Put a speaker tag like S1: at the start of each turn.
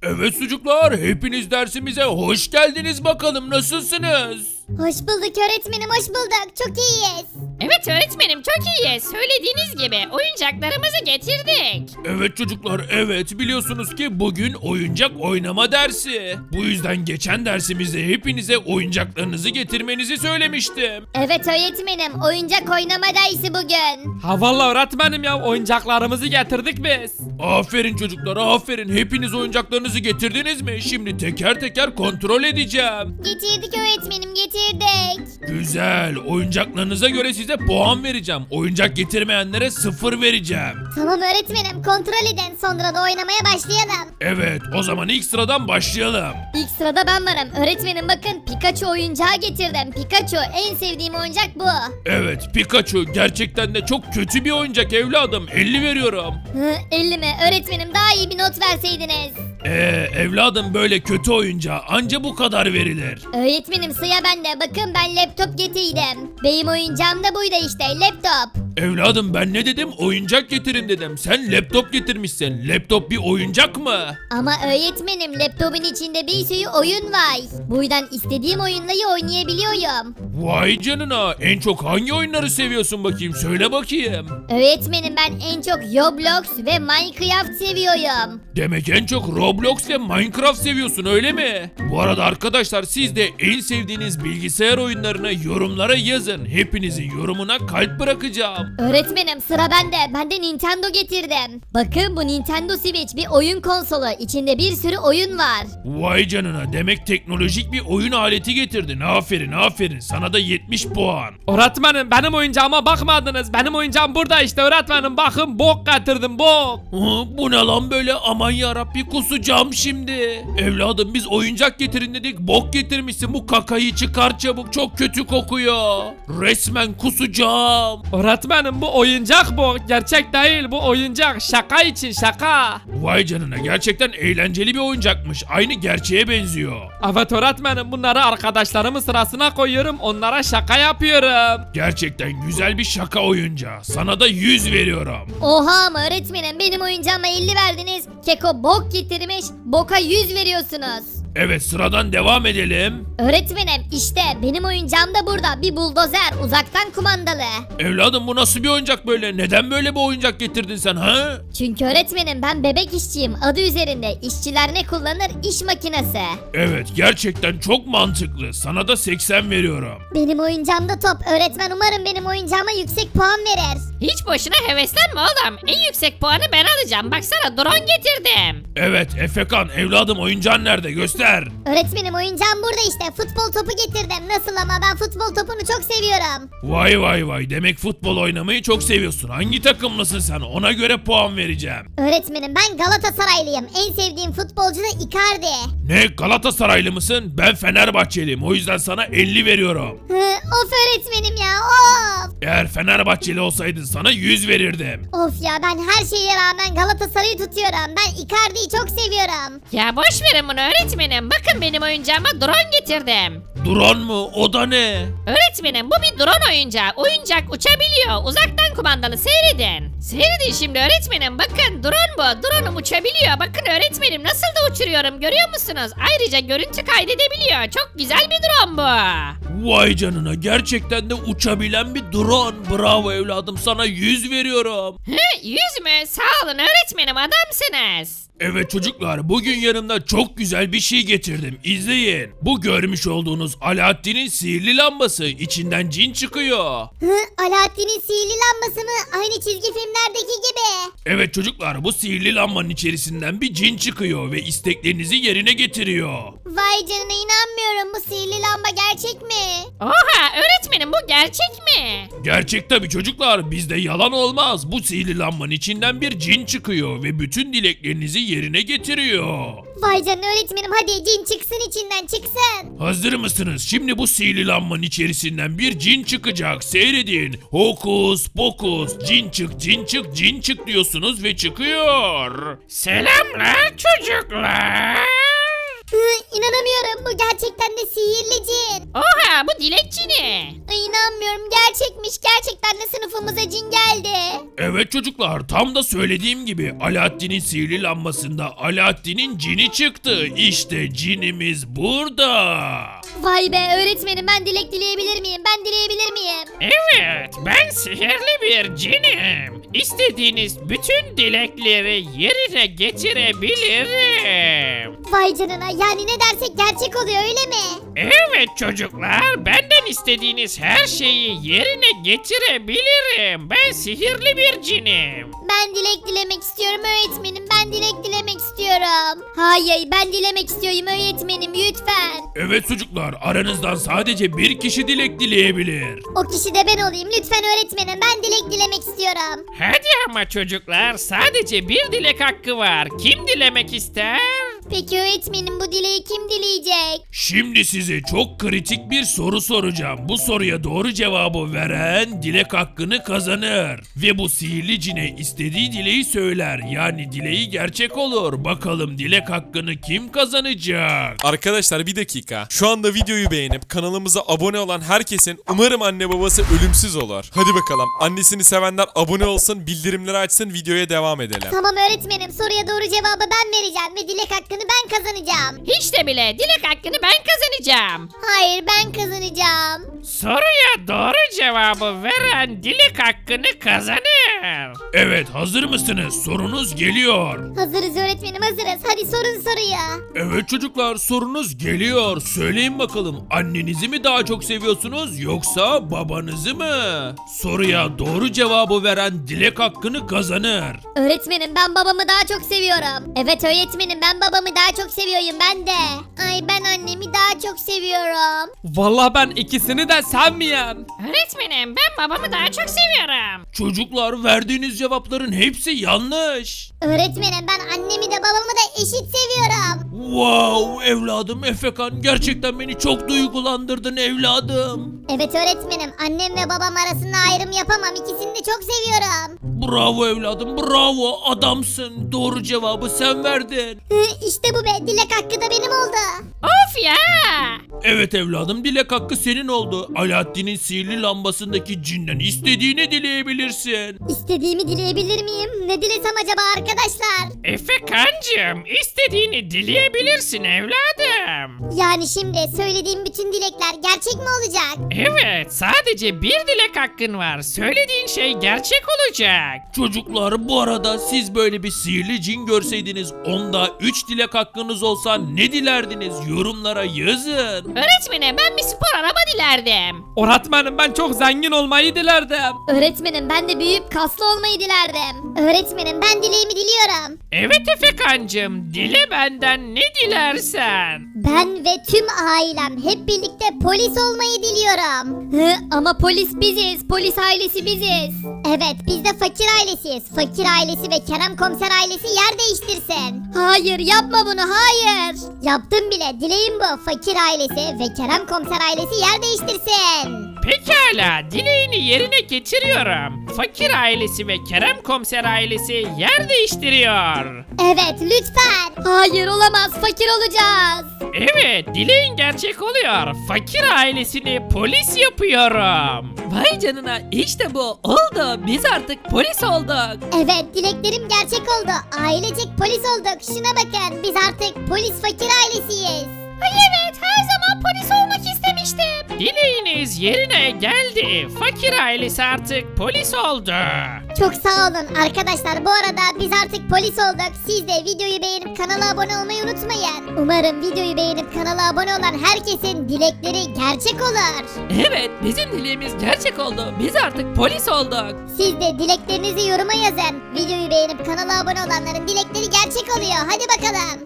S1: Evet çocuklar, hepiniz dersimize hoş geldiniz bakalım, nasılsınız?
S2: Hoş bulduk öğretmenim, hoş bulduk. Çok iyiyiz.
S3: Evet öğretmenim çok iyi. Söylediğiniz gibi oyuncaklarımızı getirdik.
S1: Evet çocuklar, evet, biliyorsunuz ki bugün oyuncak oynama dersi. Bu yüzden geçen dersimizde hepinize oyuncaklarınızı getirmenizi söylemiştim.
S2: Evet öğretmenim, oyuncak oynama dersi bugün.
S4: Ha vallahi öğretmenim ya oyuncaklarımızı getirdik biz.
S1: Aferin çocuklar, aferin. Hepiniz oyuncaklarınızı getirdiniz mi? Şimdi teker teker kontrol edeceğim.
S2: Getirdik öğretmenim, getirdik.
S1: Güzel, oyuncaklarınıza göre size puan vereceğim. Oyuncak getirmeyenlere 0 vereceğim.
S2: Tamam öğretmenim, kontrol edin. Sonra da oynamaya başlayalım.
S1: Evet, o zaman ilk sıradan başlayalım.
S2: İlk sırada ben varım. Öğretmenim bakın, Pikachu oyuncağı getirdim. Pikachu, en sevdiğim oyuncak bu.
S1: Evet, Pikachu gerçekten de çok kötü bir oyuncak evladım. 50 veriyorum.
S2: 50 mi? Öğretmenim daha iyi bir not verseydiniz.
S1: Evladım, böyle kötü oyuncağa anca bu kadar verilir.
S2: Öğretmenim sıra bende. Bakın ben laptop getirdim. Benim oyuncağım da buydu işte, laptop.
S1: Evladım, ben ne dedim? Oyuncak getirin dedim. Sen laptop getirmişsin. Laptop bir oyuncak mı?
S2: Ama öğretmenim, laptopun içinde bir sürü oyun var. Buradan istediğim oyunları oynayabiliyorum.
S1: Vay canına, en çok hangi oyunları seviyorsun bakayım? Söyle bakayım.
S2: Öğretmenim ben en çok Roblox ve Minecraft seviyorum.
S1: Demek en çok Roblox ve Minecraft seviyorsun, öyle mi? Bu arada arkadaşlar, siz de en sevdiğiniz bilgisayar oyunlarını yorumlara yazın. Hepinizin yorumuna kalp bırakacağım.
S2: Öğretmenim sıra bende. Ben de Nintendo getirdim. Bakın bu Nintendo Switch bir oyun konsolu. İçinde bir sürü oyun var.
S1: Vay canına, demek teknolojik bir oyun aleti getirdin. Aferin aferin, sana da 70 puan.
S4: Öğretmenim benim oyuncağıma bakmadınız. Benim oyuncağım burada işte öğretmenim. Bakın bok getirdim bok.
S1: Bu ne lan böyle, aman yarabbi, kusacağım şimdi. Evladım, biz oyuncak getirin dedik, bok getirmişsin. Bu kakayı çıkar çabuk, çok kötü kokuyor. Resmen kusacağım.
S4: Öğretmenim bu oyuncak bu. Gerçek değil bu oyuncak. Şaka için şaka.
S1: Vay canına, gerçekten eğlenceli bir oyuncakmış. Aynı gerçeğe benziyor.
S4: Evet öğretmenim bunları arkadaşlarımın sırasına koyuyorum. Onlara şaka yapıyorum.
S1: Gerçekten güzel bir şaka oyuncağı. Sana da 100 veriyorum.
S2: Oha ama öğretmenim, benim oyuncağıma 50 verdiniz. Keko bok getirmiş. Boka 100 veriyorsunuz.
S1: Evet, sıradan devam edelim.
S2: Öğretmenim işte benim oyuncağım da burada. Bir buldozer, uzaktan kumandalı.
S1: Evladım, bu nasıl bir oyuncak böyle? Neden böyle bir oyuncak getirdin sen ha?
S2: Çünkü öğretmenim ben bebek işçiyim. Adı üzerinde işçiler ne kullanır? İş makinesi.
S1: Evet, gerçekten çok mantıklı. Sana da 80 veriyorum.
S2: Benim oyuncağımda top. Öğretmen umarım benim oyuncağıma yüksek puan verir.
S3: Hiç boşuna heveslenme oğlum. En yüksek puanı ben alacağım. Baksana drone getirdim.
S1: Evet, Efekan evladım, oyuncağın nerede? Göster.
S2: Öğretmenim oyuncağım burada işte. Futbol topu getirdim. Nasıl ama, ben futbol topunu çok seviyorum.
S1: Vay vay vay, demek futbol oynamayı çok seviyorsun. Hangi takımlısın sen? Ona göre puan vereceğim.
S2: Öğretmenim ben Galatasaraylıyım. En sevdiğim futbolcu da Icardi.
S1: Ne, Galatasaraylı mısın? Ben Fenerbahçeliyim. O yüzden sana 50 veriyorum.
S2: Of öğretmenim ya, of.
S1: Eğer Fenerbahçeli olsaydın sana 100 verirdim.
S2: Of ya, ben her şeye rağmen Galatasaray'ı tutuyorum. Ben Icardi'yi çok seviyorum.
S3: Ya boş verin bunu öğretmenim. Bakın benim oyuncağıma drone getirdim.
S1: Drone mu? O da ne?
S3: Öğretmenim bu bir drone oyuncağı. Oyuncak uçabiliyor. Uzaktan kumandalı, seyredin. Seyredin şimdi öğretmenim. Bakın drone bu. Drone'um uçabiliyor. Bakın öğretmenim nasıl da uçuruyorum, görüyor musunuz? Ayrıca görüntü kaydedebiliyor. Çok güzel bir drone bu.
S1: Vay canına, gerçekten de uçabilen bir drone. Bravo evladım, sana 100 veriyorum.
S3: 100 mü? Sağ olun öğretmenim, adamsınız.
S1: Evet çocuklar, bugün yanımda çok güzel bir şey getirdim. İzleyin. Bu görmüş olduğunuz Alaaddin'in sihirli lambası. İçinden cin çıkıyor.
S2: Alaaddin'in sihirli lambası mı? Aynı çizgi filmlerdeki gibi.
S1: Evet çocuklar, bu sihirli lambanın içerisinden bir cin çıkıyor ve isteklerinizi yerine getiriyor.
S2: Vay canına, inanmıyorum. Bu sihirli lamba gerçek mi?
S3: Oha öğretmenim, bu gerçek mi?
S1: Gerçek tabi çocuklar, bizde yalan olmaz. Bu sihirli lambanın içinden bir cin çıkıyor ve bütün dileklerinizi yerine getiriyor.
S2: Vay canına öğretmenim, hadi cin çıksın içinden, çıksın.
S1: Hazır mısınız? Şimdi bu sihirli lambanın içerisinden bir cin çıkacak. Seyredin. Hokus pokus, cin çık, cin çık, cin çık diyorsunuz ve çıkıyor. Selamlar çocuklar.
S2: İnanamıyorum, bu gerçekten de sihirli cin.
S3: Oha bu dilekçi ne?
S2: Ay, inanmıyorum, gerçekmiş, gerçekten de sınıfımıza cin geldi.
S1: Evet çocuklar, tam da söylediğim gibi Alaaddin'in sihirli lambasında Alaaddin'in cini çıktı. İşte cinimiz burada.
S2: Vay be öğretmenim, ben dilek dileyebilir miyim? Ben dileyebilir miyim?
S4: Evet, ben sihirli bir cinim. İstediğiniz bütün dilekleri yerine getirebilirim.
S2: Vay canına, yani ne dersek gerçek oluyor öyle mi?
S4: Evet çocuklar, benden istediğiniz her şeyi yerine getirebilirim. Ben sihirli bir cinim.
S2: Ben dilek dilemek istiyorum öğretmenim, ben dilek dilemek istiyorum. Hayır, ben dilemek istiyorum öğretmenim, lütfen.
S1: Evet çocuklar, aranızdan sadece bir kişi dilek dileyebilir.
S2: O kişi de ben olayım lütfen öğretmenim, ben dilek dilemek istiyorum.
S4: Hadi ama çocuklar, sadece bir dilek hakkı var. Kim dilemek ister?
S2: Peki öğretmenim, bu dileği kim dileyecek?
S1: Şimdi size çok kritik bir soru soracağım. Bu soruya doğru cevabı veren dilek hakkını kazanır. Ve bu sihirli cine istediği dileği söyler. Yani dileği gerçek olur. Bakalım dilek hakkını kim kazanacak?
S5: Arkadaşlar bir dakika. Şu anda videoyu beğenip kanalımıza abone olan herkesin umarım anne babası ölümsüz olur. Hadi bakalım. Annesini sevenler abone olsun, bildirimleri açsın, videoya devam edelim.
S2: Tamam öğretmenim, soruya doğru cevabı ben vereceğim ve dilek hakkını ben kazanacağım.
S3: Hiç de bile dilek hakkını ben kazanacağım.
S2: Hayır, ben kazanacağım.
S4: Soruya doğru cevabı veren dilek hakkını kazanır.
S1: Evet, hazır mısınız? Sorunuz geliyor.
S2: Hazırız öğretmenim, hazırız. Hadi sorun soruyu.
S1: Evet çocuklar, sorunuz geliyor. Söyleyin bakalım, annenizi mi daha çok seviyorsunuz yoksa babanızı mı? Soruya doğru cevabı veren dilek hakkını kazanır.
S2: Öğretmenim, ben babamı daha çok seviyorum. Evet öğretmenim, ben babamı daha çok seviyorum, ben de. Ay, ben annemi daha çok seviyorum.
S4: Vallahi ben ikisini de sevmiyorum.
S3: Öğretmenim ben babamı daha çok seviyorum.
S1: Çocuklar, verdiğiniz cevapların hepsi yanlış.
S2: Öğretmenim, ben annemi de babamı da eşit seviyorum.
S1: Wow evladım, Efekan gerçekten beni çok duygulandırdın evladım.
S2: Evet öğretmenim, annem ve babam arasında ayrım yapamam. İkisini de çok seviyorum.
S1: Bravo evladım, bravo, adamsın. Doğru cevabı sen verdin.
S2: İşte bu be, dilek hakkı da benim oldu.
S3: Of ya.
S1: Evet evladım, dilek hakkı senin oldu. Alaaddin'in sihirli lambasındaki cinden istediğini dileyebilirsin.
S2: İstediğimi dileyebilir miyim? Ne dilesem acaba arkadaşlar?
S4: Efekancığım, istediğini dileyebilirsin evladım.
S2: Yani şimdi söylediğim bütün dilekler gerçek mi olacak?
S4: Evet, sadece bir dilek hakkın var. Söylediğin şey gerçek olacak.
S1: Çocuklar, bu arada siz böyle bir sihirli cin görseydiniz, onda 3 dilek hakkınız olsa ne dilerdiniz? Yorumlara yazın.
S3: Öğretmenim ben bir spor araba dilerdim.
S4: Öğretmenim ben çok zengin olmayı dilerdim.
S2: Öğretmenim, ben de büyüyüp kaslı olmayı dilerdim. Öğretmenim, ben dileğimi diliyorum.
S4: Evet Efekancığım, dile benden ne dilersen.
S2: Ben ve tüm ailem hep birlikte polis olmayı diliyorum. Ama polis biziz, polis ailesi biziz. Evet, biz de fakir ailesiyiz. Fakir ailesi ve Kerem komiser ailesi yer değiştirsin. Hayır, yapma bunu, hayır. Yaptım bile, dileğim bu. Fakir ailesi ve Kerem komiser ailesi yer değiştirsin.
S4: Pekala, dileğini yerine getiriyorum. Fakir ailesi ve Kerem komiser ailesi yer değiştiriyor.
S2: Evet, lütfen. Hayır, olamaz, fakir olacağız.
S4: Evet, dileğin gerçek oluyor. Fakir ailesini polis yapıyorum.
S6: Vay canına, işte bu oldu. Biz artık polis olduk.
S2: Evet, dileklerim gerçek oldu. Ailecek polis olduk. Şuna bakın, biz artık polis fakir ailesiyiz. Ay evet, her zaman polis olmak istemiştim.
S4: Dileğiniz yerine geldi. Fakir ailesi artık polis oldu.
S2: Çok sağ olun arkadaşlar. Bu arada biz artık polis olduk. Siz de videoyu beğenip kanala abone olmayı unutmayın. Umarım videoyu beğenip kanala abone olan herkesin dilekleri gerçek olur.
S6: Evet, bizim dileğimiz gerçek oldu. Biz artık polis olduk.
S2: Siz de dileklerinizi yoruma yazın. Videoyu beğenip kanala abone olanların dilekleri gerçek oluyor. Hadi bakalım.